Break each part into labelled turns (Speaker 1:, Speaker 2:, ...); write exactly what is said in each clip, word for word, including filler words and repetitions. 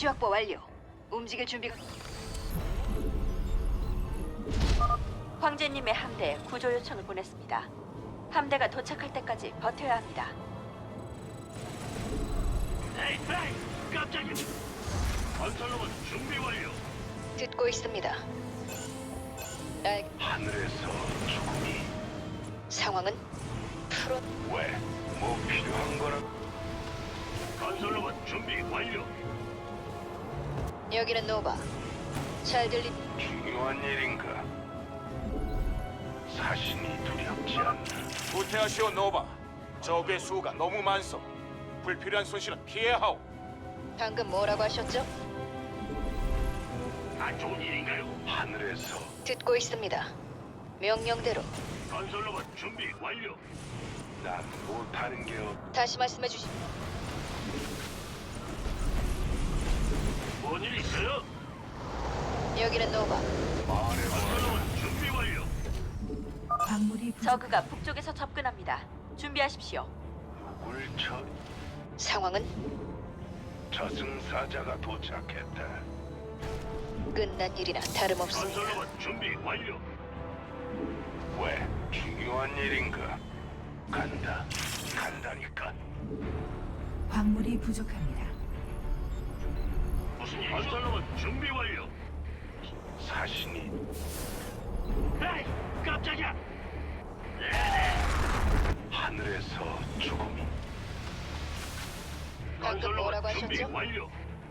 Speaker 1: 위치 확보 완료. 움직일 준비가.
Speaker 2: 황제님의 함대에 구조 요청을 보냈습니다. 함대가 도착할 때까지 버텨야 합니다.
Speaker 3: 에이, 에이, 깜짝이야. 건설로봇 준비 완료.
Speaker 1: 듣고 있습니다. 알...
Speaker 3: 하늘에서 죽음이
Speaker 1: 상황은 프로.
Speaker 3: 왜? 뭐 필요한 거라? 건설로봇 준비 완료.
Speaker 1: 여기는 노바. 잘 들리.
Speaker 3: 중요한 일인가? 사신이 두렵지 않나?
Speaker 4: 후퇴하시오 노바. 적의 수가 너무 많소. 불필요한 손실은 피해야 하오.
Speaker 1: 방금 뭐라고 하셨죠?
Speaker 3: 안 좋은 일인가요? 하늘에서
Speaker 1: 듣고 있습니다. 명령대로.
Speaker 3: 건설로봇 준비 완료. 난 못하는 게 없.
Speaker 1: 다시 말씀해 주시.
Speaker 3: 뭔일 있어요?
Speaker 1: 여기는 노바.
Speaker 3: 말해. 건설로봇 준비 완료.
Speaker 5: 광물이 부족.
Speaker 2: 저그가 북쪽에서 접근합니다. 준비하십시오.
Speaker 3: 누굴 처?
Speaker 1: 상황은
Speaker 3: 저승사자가 도착했다.
Speaker 1: 끝난 일이나 다름없습니다.
Speaker 3: 건설로봇 준비 완료. 왜? 중요한 일인가? 간다. 간다니까.
Speaker 5: 광물이 부족합니다.
Speaker 3: 무슨 일? 건설로봇 준비 완료. 사신이. 에이, 깜짝이야. 네네. 하늘에서 죽음이.
Speaker 1: 방금 뭐라고
Speaker 3: 준비
Speaker 1: 하셨죠?
Speaker 3: 완료.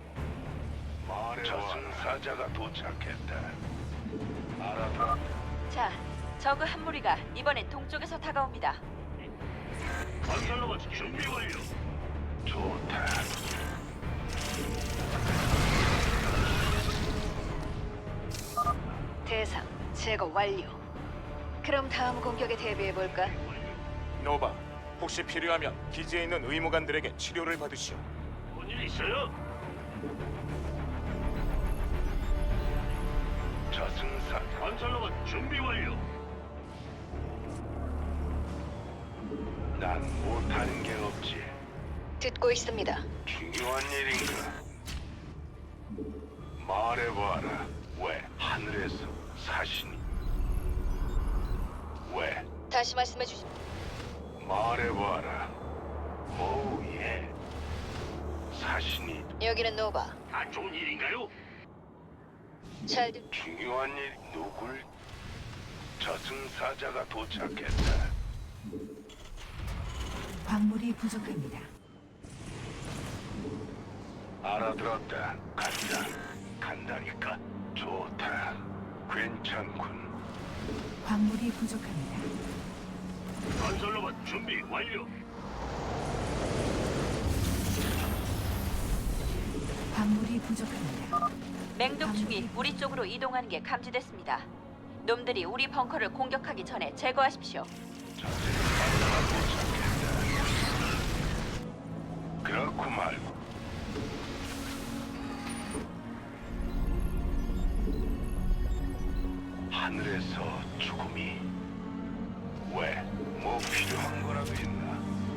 Speaker 3: 저승사자가 도착했다. 알아봐.
Speaker 2: 자, 저그 한 무리가 이번엔 동쪽에서 다가옵니다.
Speaker 3: 건설로봇 준비 완료. 좋다.
Speaker 1: 대상 제거 완료. 그럼 다음 공격에 대비해 볼까?
Speaker 4: 노바, 혹시 필요하면 기지에 있는 의무관들에게 치료를 받으시오.
Speaker 3: 뭔일 있어요? 저승사 건설로봇 준비 완료. 난 못하는 게 없지.
Speaker 1: 듣고 있습니다.
Speaker 3: 중요한 일인가? 말해봐라. 왜 하늘에서 사신이? 왜?
Speaker 1: 다시 말씀해 주시.
Speaker 3: 말해봐라. 오 예. 사신이
Speaker 1: 여기는 노바.
Speaker 3: 안 좋은 일인가요?
Speaker 1: 잘 듣.
Speaker 3: 중요한 일 누굴? 저승사자가 도착했다.
Speaker 5: 광물이 부족합니다.
Speaker 3: 알아들었다. 간다. 간다니까. 좋다. 괜찮군.
Speaker 5: 광물이 부족합니다.
Speaker 3: 건설로봇 준비 완료.
Speaker 5: 광물이 부족합니다.
Speaker 2: 맹독충이 우리 쪽으로 이동하는 게 감지됐습니다. 놈들이 우리 벙커를 공격하기 전에 제거하십시오.
Speaker 3: 저승사자가 도착했다. 그렇고 말고. 하늘에서 죽음이. 왜? 뭐 필요한 거라도 있나?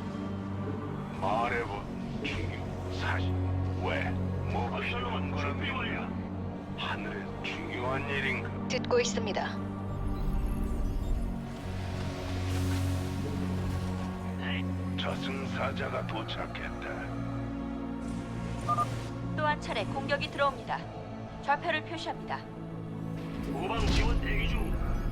Speaker 3: 말해봐. 중요 사실. 왜? 뭐 필요한 거라도 있나? 하늘에 중요한 일인가?
Speaker 1: 듣고 있습니다.
Speaker 3: 저승사자가 도착했다.
Speaker 2: 또 한 차례 공격이 들어옵니다. 좌표를 표시합니다.
Speaker 3: 후방 지원 대기 중.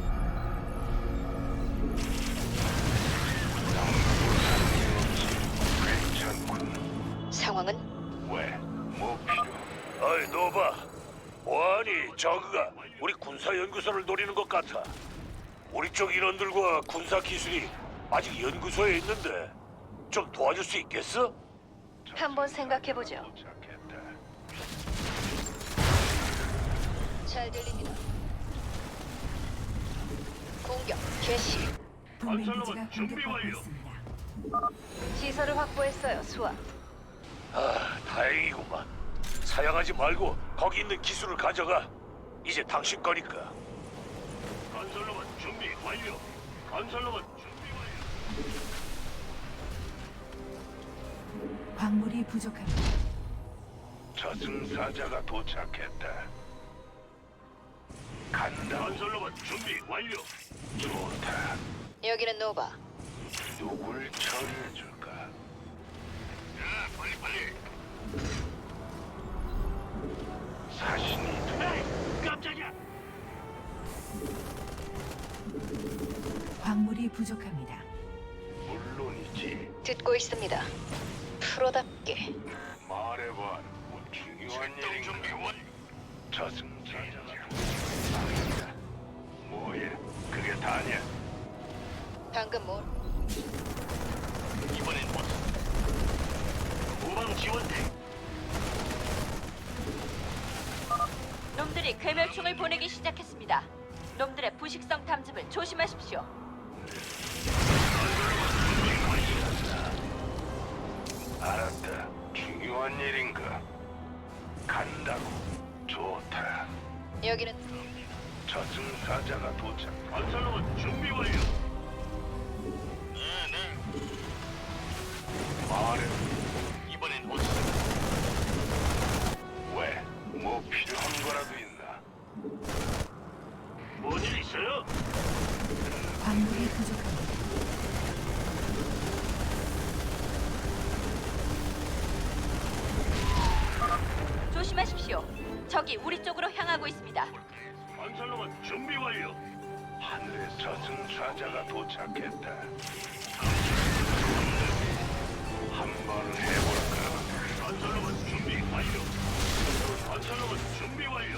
Speaker 3: 괜찮군.
Speaker 1: 상황은
Speaker 3: 왜? 뭐 필요?
Speaker 6: 어이 노바, 뭐하니? 저그가 우리 군사연구소를 노리는 것 같아. 우리 쪽 인원들과 군사 기술이 아직 연구소에 있는데 좀 도와줄 수 있겠어?
Speaker 1: 한번 생각해 보죠.
Speaker 3: 도착했다.
Speaker 1: 잘 들립니다. 공격 개시.
Speaker 5: 동맹 기지가
Speaker 3: 건설로봇 준비
Speaker 5: 공격받고
Speaker 3: 완료.
Speaker 5: 있습니다.
Speaker 1: 시설을 확보했어요. 수아.
Speaker 6: 아, 다행이구만. 사양하지 말고 거기 있는 기술을 가져가. 이제 당신 거니까.
Speaker 3: 건설로봇 준비 완료. 건설로봇 준비 완료.
Speaker 5: 광물이 부족합니다.
Speaker 3: 저승사자가 도착했다. 간다.
Speaker 6: 건설로봇 준비 완료.
Speaker 3: 좋다.
Speaker 1: 여기는 노바.
Speaker 3: 누굴 처리해줄까?
Speaker 6: 야, 빨리 빨리.
Speaker 3: 사신이 돼.
Speaker 6: 에이, 깜짝이야.
Speaker 5: 광물이 부족합니다.
Speaker 3: 물론이지.
Speaker 1: 듣고 있습니다. 프로답게.
Speaker 3: 말해봐. 뭐 중요한
Speaker 6: 출동
Speaker 3: 일인가?
Speaker 6: 준비 완료.
Speaker 3: 저승사자가 도착했다. 뭐야? 그게 다냐?
Speaker 1: 방금 뭐?
Speaker 6: 이번엔 뭐? 후방 지원대.
Speaker 2: 놈들이 괴멸충을 보내기 시작했습니다. 놈들의 부식성 탐지을 조심하십시오.
Speaker 3: 알았다. 중요한 일인가? 간다고. 좋다.
Speaker 1: 여기는
Speaker 3: 저승사자가 도착.
Speaker 6: 건설로봇 준비 완료. 네, 네.
Speaker 3: 말해.
Speaker 6: 이번엔 뭐?
Speaker 3: 왜? 뭐 필요한 거라도 있나?
Speaker 6: 뭔일 있어요?
Speaker 5: 광물이 부족합니다.
Speaker 2: 조심하십시오. 적이 우리 쪽으로 향하고 있습니다.
Speaker 6: 건설로봇 준비 완료.
Speaker 3: 하늘에 저승사자가 도착했다. 한번 해볼까?
Speaker 6: 건설로봇 준비 완료. 건설로봇 준비 완료.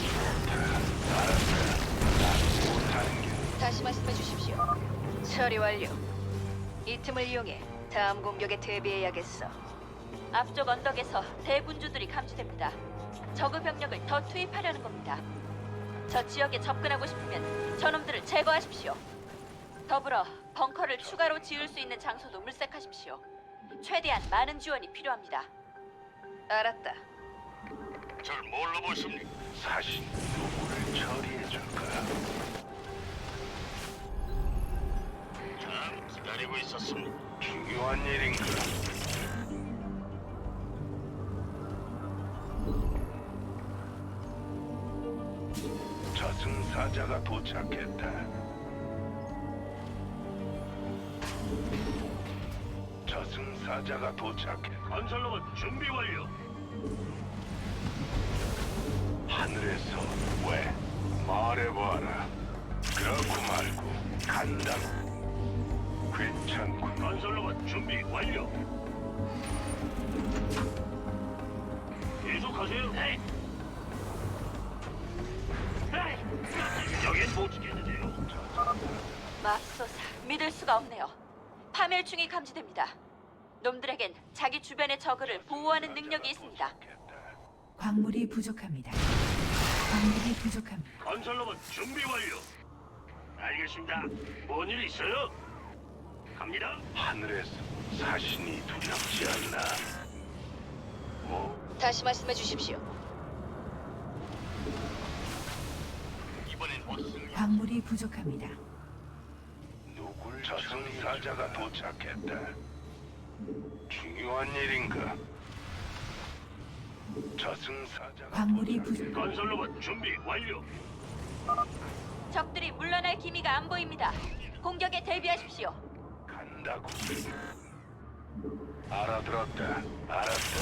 Speaker 3: 못하는 게
Speaker 1: 다시 말씀해 주십시오. 처리 완료. 이 틈을 이용해 다음 공격에 대비해야겠어.
Speaker 2: 앞쪽 언덕에서 대군주들이 감지됩니다. 적의 병력을 더 투입하려는 겁니다. 저 지역에 접근하고 싶으면 저놈들을 제거하십시오. 더불어 벙커를 추가로 지을 수 있는 장소도 물색하십시오. 최대한 많은 지원이 필요합니다.
Speaker 1: 알았다.
Speaker 6: 절 뭘로 보십니까?
Speaker 3: 사신 누구를 처리해줄까?
Speaker 6: 참 기다리고 있었습니다.
Speaker 3: 중요한 일인가? 저승사자가 도착했다. 저승사자가 도착했다.
Speaker 6: 건설로봇 준비 완료.
Speaker 3: 하늘에서 왜? 말해봐라. 그렇고 말고 간다고. 괜찮군.
Speaker 6: 건설로봇 준비 완료. 계속하세요. 네. 에이, 여긴 못 지켰는데요.
Speaker 2: 맙소사, 믿을 수가 없네요. 파멸충이 감지됩니다. 놈들에겐 자기 주변의 적을 보호하는 능력이 있습니다.
Speaker 5: 광물이 부족합니다. 광물이 부족합니다.
Speaker 6: 건설로봇 준비 완료. 알겠습니다. 뭔 일 있어요? 갑니다.
Speaker 3: 하늘에서 사신이 두렵지 않나? 뭐?
Speaker 1: 다시 말씀해 주십시오.
Speaker 6: 이번엔 무슨
Speaker 5: 광물이 부족합니다.
Speaker 3: 누굴 저승사자가 도착했다. 중요한 일인가? 저승사자가
Speaker 5: 광물이
Speaker 3: 도착-
Speaker 5: 부족.
Speaker 6: 건설로봇 준비 완료.
Speaker 2: 적들이 물러날 기미가 안 보입니다. 공격에 대비하십시오.
Speaker 3: 간다고. 알아들었다. 알았다.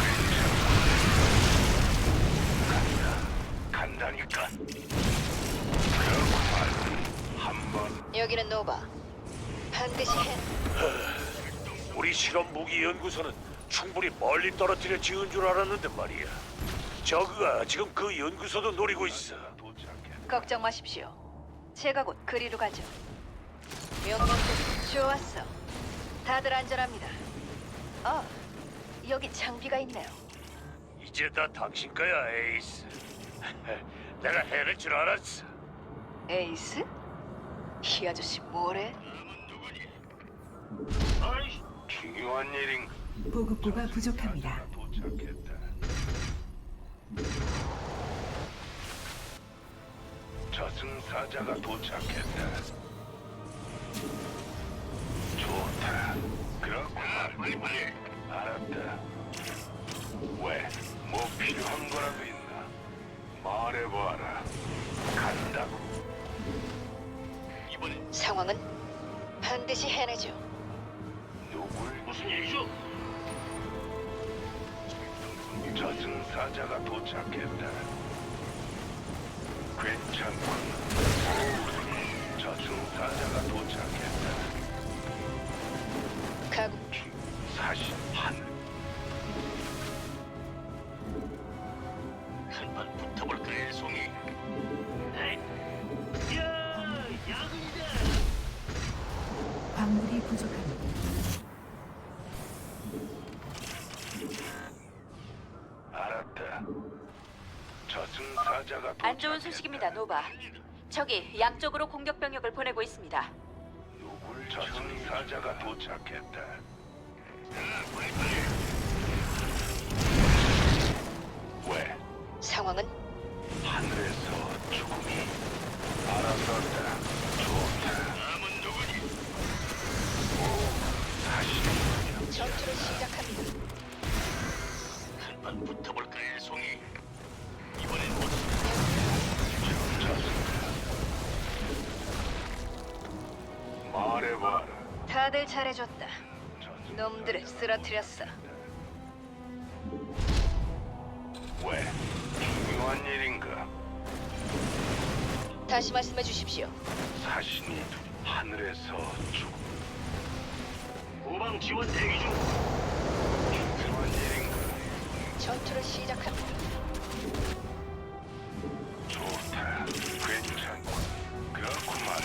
Speaker 3: 간다. 간다니까. 그렇고 말고 한번
Speaker 1: 여기는 노바. 반드시 해.
Speaker 6: 우리 실험 무기 연구소는 충분히 멀리 떨어뜨려 지은 줄 알았는데 말이야. 저그가 지금 그 연구소도 노리고 있어.
Speaker 3: 도착했다.
Speaker 1: 걱정 마십시오. 제가 곧 그리로 가죠. 명령도 좋았어. 다들 안전합니다. 아, 여기 장비가 있네요.
Speaker 6: 이제 다 당신 거야, 에이스. 내가 해낼 줄 알았어.
Speaker 1: 에이스? 이 아저씨 뭐래?
Speaker 6: 아이씨,
Speaker 3: 중요한 일인가?
Speaker 5: 보급고가 부족합니다.
Speaker 3: 도착했다. 저승사자가 도착했다. 좋다. 그렇고 말고.
Speaker 6: 빨리 빨리.
Speaker 3: 알았다. 왜? 뭐 필요한 거라도 있나? 말해봐라. 간다고. 이번엔
Speaker 1: 상황은 반드시 해내죠.
Speaker 3: 누굴 무슨 일이죠? 저승사자가 도착했다. 괜찮군. 저승사자가 도착했다.
Speaker 1: 가고
Speaker 3: 사실 하늘. 한판 붙어볼까 일송이. 야, 야근이다.
Speaker 5: 광물이 부족합니다.
Speaker 3: 알았다. 저승사자가
Speaker 2: 안 좋은 소식입니다, 노바. 적이 양쪽으로 공격 병력을 보내고 있습니다.
Speaker 3: 누굴 저승사자가 도착했다. 왜?
Speaker 1: 상황은
Speaker 3: 하늘에서 죽음이 알아들었다. 좋다. 남은 누구니? 오, 다시
Speaker 1: 전투를 시작합니다.
Speaker 3: 한판 붙어볼까 일송이. 이번엔 못 말해봐라.
Speaker 1: 다들 잘해줬다. 놈들을 쓰러뜨렸어.
Speaker 3: 왜? 중요한 일인가?
Speaker 1: 다시 말씀해 주십시오.
Speaker 3: 사신이 하늘에서 죽. 후방 지원 대기 중. 중요한 일인가?
Speaker 1: 전투를 시작합니다.
Speaker 3: 좋다. 괜찮고. 그렇구만.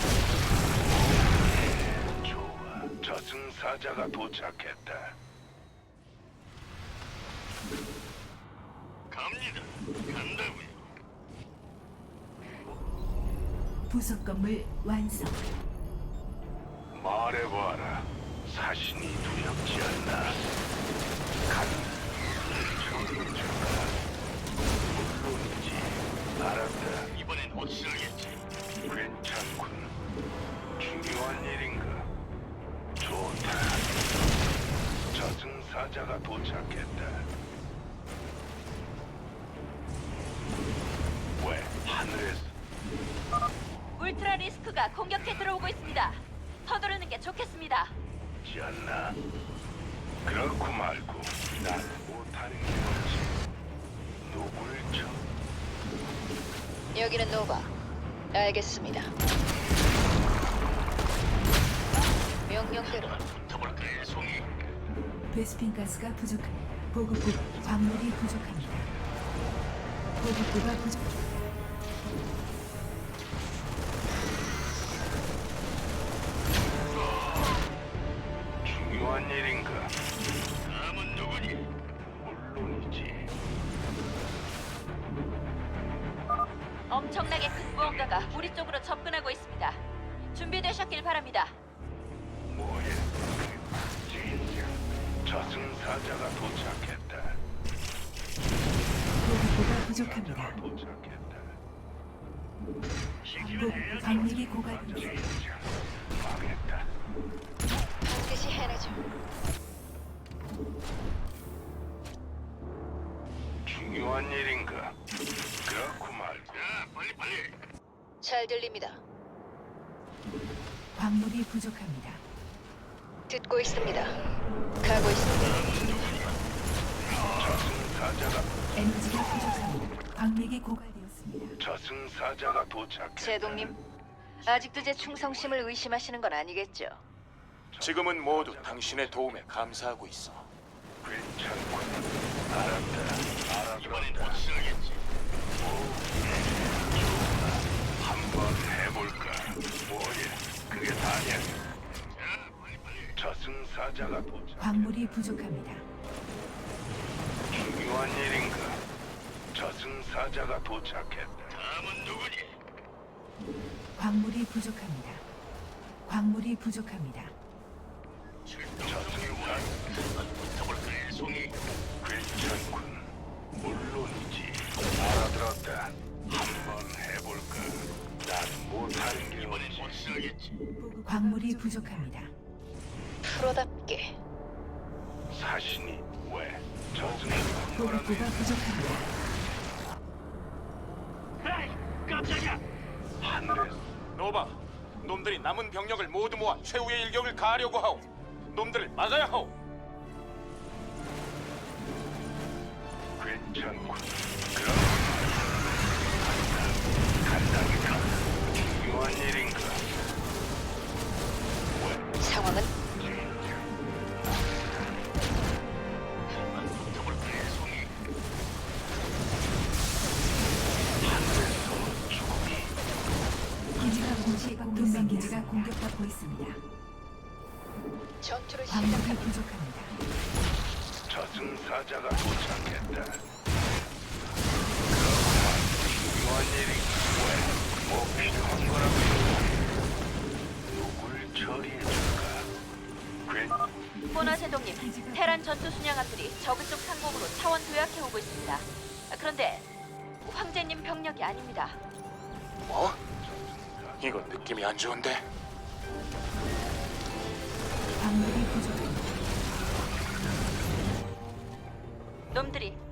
Speaker 3: 좋아. 저승사자가 도착했다. 갑니다. 간다고요.
Speaker 5: 부속 건물 완성.
Speaker 3: 말해봐라. 사신이 두렵지 않나? 간다. 정정아. 물론이지. 알았다. 이번엔 확실하겠지. 괜찮군. 중요한 일인가? 좋다. 저승사자가 도착했다. 왜 하늘에서?
Speaker 2: 울트라 리스크가 공격해 들어오고 있습니다. 서두르는 게 좋겠습니다.
Speaker 3: 지 않나? 그렇고 말고 난 못하는 게 없지. 누굴 쳐?
Speaker 1: 여기는 노바. 알겠습니다. 명령대로
Speaker 3: 붙어볼까 일송이.
Speaker 5: 베스핀 가스가 부족합니다. 보급고 광물이 부족합니다. 보급고가 부족.
Speaker 3: 중요한 일인가? 남은 누구니? 물론이지.
Speaker 2: 엄청나게 큰 무언가가 우리 쪽으로 접근하고 있습니다. 준비되셨길 바랍니다.
Speaker 3: 뭐야? 진짜 저승사자가 도착했다.
Speaker 5: 보급고가 부족합니다.
Speaker 3: 도착했다.
Speaker 5: 보 광물이 고갈됩니다.
Speaker 3: 진짜 망했다.
Speaker 1: 반드시 해내죠.
Speaker 3: 중요한 일인가? 그렇고 말고. 야, 빨리 빨리.
Speaker 1: 잘 들립니다.
Speaker 5: 광물이 부족합니다.
Speaker 1: 듣고 있습니다. 가고 있습니다.
Speaker 3: 저승사자가
Speaker 5: 에너지가 부족합니다. 광맥이 고갈되었습니다.
Speaker 3: 저승사자가 도착했다.
Speaker 1: 제동님, 아직도 제 충성심을 의심하시는 건 아니겠죠?
Speaker 4: 지금은 모두 당신의 도움에 감사하고 있어.
Speaker 3: 괜찮군. 알았다. 알았다. 이번엔 확실하겠지. 좋아. 한번 해볼까? 뭐야? 그게 다냐? 자, 빨리 빨리. 저승사자가 도착.
Speaker 5: 광물이 부족합니다.
Speaker 3: 중요한 일인가? 저승사자가 도착했다. 다음은 누구니?
Speaker 5: 광물이 부족합니다. 광물이 부족합니다.
Speaker 3: 저승사자. 붙어볼까 일송이? 괜찮군. 물론이지. 알아들었다. 한번 해볼까? 난 못하는 게 이번엔 확실하겠지.
Speaker 5: 보급 광물이 부족합니다.
Speaker 1: 프로답게
Speaker 3: 사신이 왜 저승
Speaker 5: 보급고가 부족합니다.
Speaker 6: 깜짝이야.
Speaker 3: 하늘에
Speaker 4: 노바, 놈들이 남은 병력을 모두 모아 최후의 일격을 가하려고 하오. 놈들을 막아야 하오.
Speaker 3: 괜찮군. 그럼 간다니까 중요한 일인가?
Speaker 1: 상황은
Speaker 3: 더블 배송이 하늘에서 죽음이
Speaker 5: 기지가 공식 동맹 기지가 공격받고 있습니다.
Speaker 1: 전투를
Speaker 5: 광물이
Speaker 1: 시작합니다.
Speaker 5: 부족합니다.
Speaker 3: 저승사자가 도착했다. 중요한 일인가? 왜? 뭐 필요한 거라고? 누굴 처리해줄까? 괜
Speaker 2: 보너스 동님, 테란 전투 순양함들이 저그 쪽 상공으로 차원 도약해 오고 있습니다. 아, 그런데 황제님 병력이 아닙니다.
Speaker 4: 뭐? 이거 느낌이 안 좋은데?
Speaker 5: 광물이 부족합니다.
Speaker 2: 놈들이